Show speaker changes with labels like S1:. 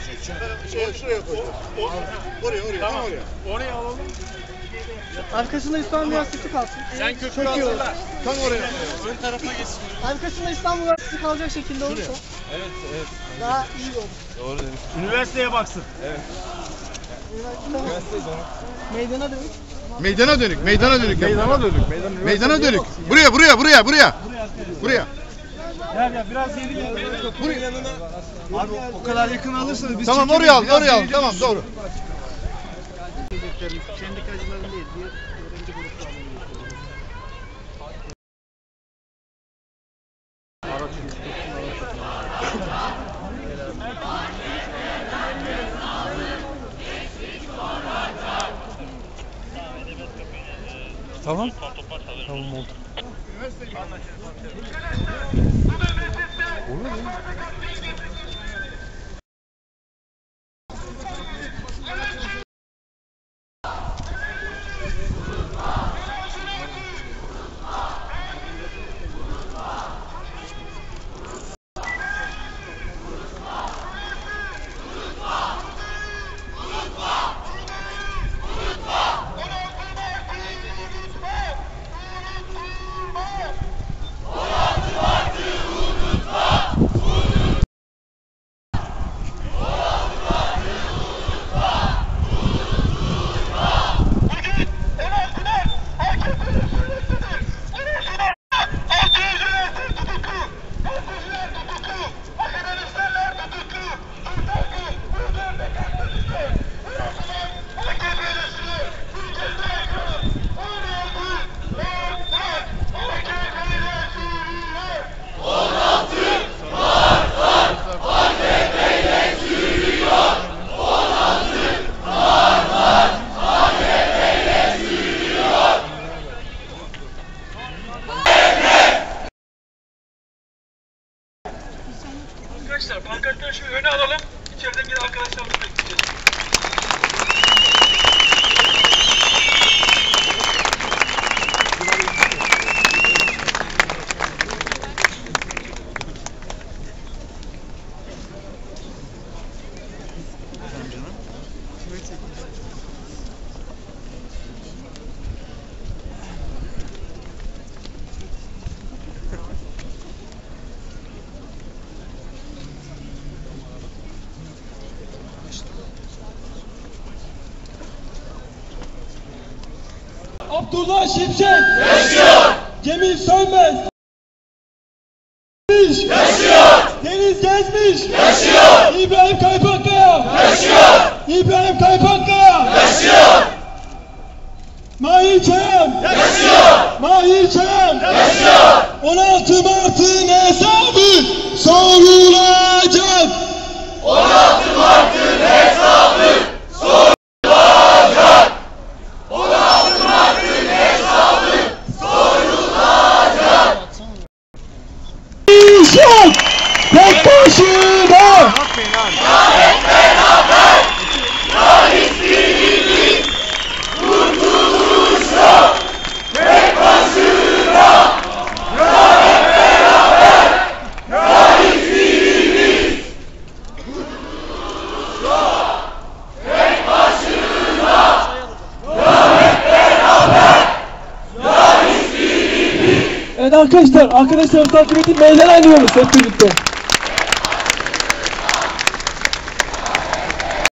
S1: Şuraya koy. Oraya. Tamam.
S2: Oraya alalım.
S3: Arkasında İstanbul Üniversitesi kalsın.
S2: Sen kökünü hazırla.
S1: Tam oraya.
S2: Ön tarafa geçsin.
S3: Arkasında İstanbul Üniversitesi kalacak şekilde olursa.
S2: Evet.
S3: Daha iyi olur.
S1: Doğru demiş.
S2: Üniversiteye baksın.
S1: Evet.
S3: Meydana dönük.
S1: Meydana dönük. Meydana dönük.
S2: Meydana dönük.
S1: Buraya.
S2: Gel biraz geri gel.
S1: Buraya.
S2: Yanına. Abi o kadar yakın alırsanız biz
S1: Tamam
S2: çekemeyiz.
S1: oraya al. Tamam doğru.
S3: Sendikacıların değil, diğer öğrenci gruplarının.
S2: Tamam. Tamam oldu. Olur mu?
S4: Arkadaşlar pankartları şu öne alalım. İçeriden gelen arkadaşlarımızı bekleyeceğiz.
S5: Abdullah Şimşek yaşıyor. Cemil Sönmez yaşıyor. Deniz Gezmiş yaşıyor. İbrahim Kaypakkaya yaşıyor. İbrahim Kaypakkaya yaşıyor. Mahir Çayam yaşıyor. Mahir Çayam yaşıyor. 16 Mart'ın hesabı sorulacak.
S6: 16 Mart'ın hesabı sorulacak. 16 Mart'ın hesabı sorulacak.
S5: İşat tek başına.
S6: Hep beraber ya hiçbirimiz kurtuluş yok. Tek başına ya hep beraber ya hiçbirimiz kurtuluş yok. Tek başına ya hep beraber ya hiçbirimiz.
S5: Evet arkadaşlar takip edin, meydan ayrılıyoruz hep birlikte.